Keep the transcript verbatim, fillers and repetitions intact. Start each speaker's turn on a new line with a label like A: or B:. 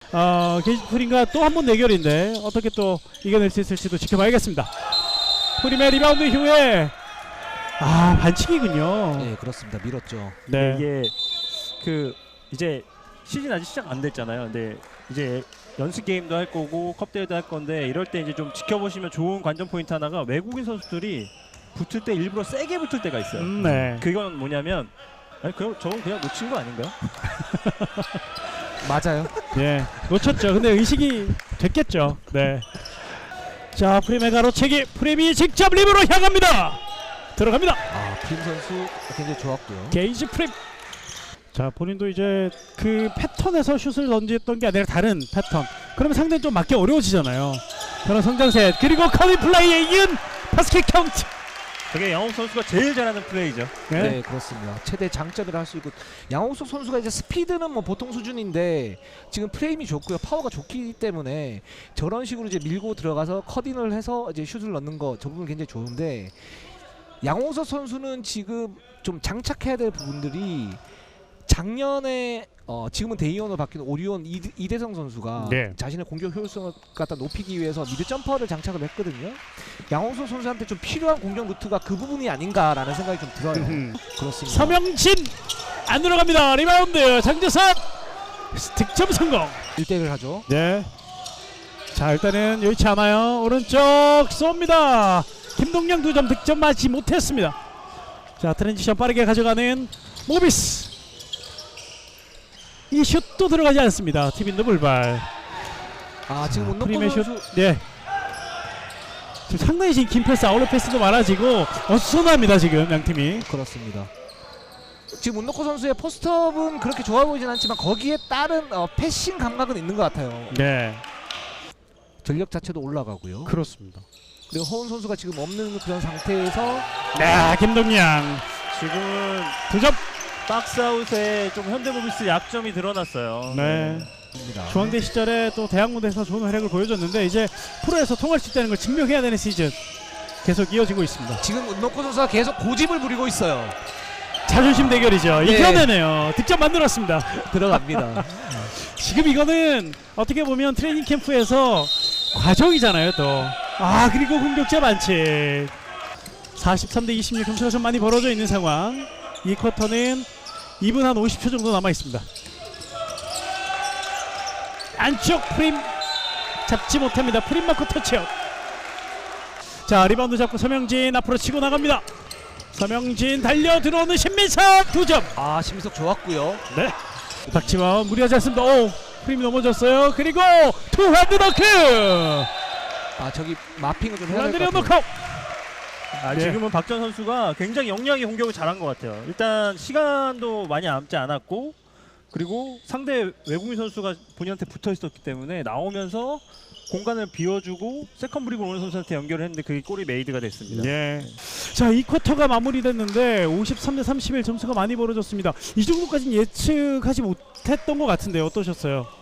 A: 어, 게이지 프림과 또 한 번 대결인데 어떻게 또 이겨낼 수 있을지도 지켜봐야겠습니다. 프림의 리바운드 이후에 아 반칙이군요.
B: 네, 그렇습니다. 밀었죠.
A: 네.
C: 이게 그 이제 시즌 아직 시작 안 됐잖아요. 근데 이제 연습 게임도 할 거고 컵 대회도 할 건데 이럴 때 이제 좀 지켜보시면 좋은 관전 포인트 하나가 외국인 선수들이 붙을 때 일부러 세게 붙을 때가 있어요.
A: 음, 네.
C: 그건 뭐냐면 아니 그럼 저건 그냥 놓친 거 아닌가요?
B: 맞아요.
A: 예, 놓쳤죠. 근데 의식이 됐겠죠. 네. 자, 프림의 가로채기. 프림이 직접 립으로 향합니다. 들어갑니다.
B: 아, 프림 선수 굉장히 좋았고요.
A: 게이지 프림. 자, 본인도 이제 그 패턴에서 슛을 던졌던 게 아니라 다른 패턴. 그러면 상대는 좀 맞기 어려워지잖아요. 그런 성장셋. 그리고 커리 플레이에 이은 바스켓 카운트.
C: 그게 양홍 선수가 제일 잘하는 플레이죠.
A: 네.
B: 네, 그렇습니다. 최대 장점이라 할 수 있고 양홍석 선수가 이제 스피드는 뭐 보통 수준인데 지금 프레임이 좋고요, 파워가 좋기 때문에 저런 식으로 이제 밀고 들어가서 커딩을 해서 이제 슛을 넣는 거 저 부분 굉장히 좋은데 양홍석 선수는 지금 좀 장착해야 될 부분들이 작년에 어 지금은 대이원으로 바뀐 오리온 이대, 이대성 선수가
A: 네.
B: 자신의 공격 효율성을 갖다 높이기 위해서 미드 점퍼를 장착을 했거든요. 양홍석 선수한테 좀 필요한 공격 루트가 그 부분이 아닌가라는 생각이 좀 들어요.
A: 음.
B: 그렇습니다.
A: 서명진 안 들어갑니다. 리바운드 장재선 득점 성공.
B: 일 대 일 하죠.
A: 네. 자, 일단은 여의치 않아요. 오른쪽 쏩니다. 김동영 두 점 득점 맞지 못했습니다. 자, 트랜지션 빠르게 가져가는 모비스. 이 슛도 들어가지 않습니다. 티빈도 불발.
B: 아, 지금 운동권
A: 프림의 슛.
B: 선수
A: 네. 지금 상당히 지금 긴 패스, 아웃렛 패스도 많아지고 어수선합니다 지금 양 팀이.
B: 그렇습니다. 지금 운동권 선수의 포스트업은 그렇게 좋아 보이진 않지만 거기에 따른 어, 패싱 감각은 있는 것 같아요.
A: 네.
B: 전력 자체도 올라가고요.
A: 그렇습니다.
B: 그리고 허운 선수가 지금 없는 그런 상태에서
A: 네, 김동양
C: 지금은
A: 두 점.
C: 박스아웃에 좀 현대모비스 약점이 드러났어요.
A: 네.
B: 입니다.
A: 중앙대 시절에 또 대학 무대에서 좋은 활약을 보여줬는데 이제 프로에서 통할 수 있다는 걸 증명해야 되는 시즌 계속 이어지고 있습니다.
B: 지금 운동권 선수가 계속 고집을 부리고 있어요.
A: 자존심 대결이죠.
B: 네.
A: 이겨내네요. 득점 만들었습니다.
B: 들어갑니다.
A: 지금 이거는 어떻게 보면 트레이닝 캠프에서 과정이잖아요 또. 아, 그리고 공격자 반칙. 사십삼 대 이십육 점수가 좀 많이 벌어져 있는 상황. 이 쿼터는 이 분 한 오십 초 정도 남아 있습니다. 안쪽 프림 잡지 못합니다. 프림 마커 터치아웃. 자, 리바운드 잡고 서명진 앞으로 치고 나갑니다. 서명진 달려 들어오는 신민석 두 점.
B: 아, 심석 좋았고요.
A: 네. 박지원 무리하지 않습니다. 오, 프림이 넘어졌어요. 그리고 투 핸드 너크.
B: 아, 저기 마핑을 좀 해야
A: 투 핸드
B: 될 것 같아요.
A: 너크.
C: 아,
A: 네.
C: 지금은 박전 선수가 굉장히 영리하게 공격을 잘한 것 같아요. 일단 시간도 많이 남지 않았고 그리고 상대 외국인 선수가 본인한테 붙어 있었기 때문에 나오면서 공간을 비워주고 세컨 브릭을 오는 선수한테 연결을 했는데 그게 골이 메이드가 됐습니다.
A: 예. 자, 이 쿼터가 마무리됐는데 오십삼 대 삼십일 점수가 많이 벌어졌습니다. 이 정도까지는 예측하지 못했던 것 같은데 어떠셨어요?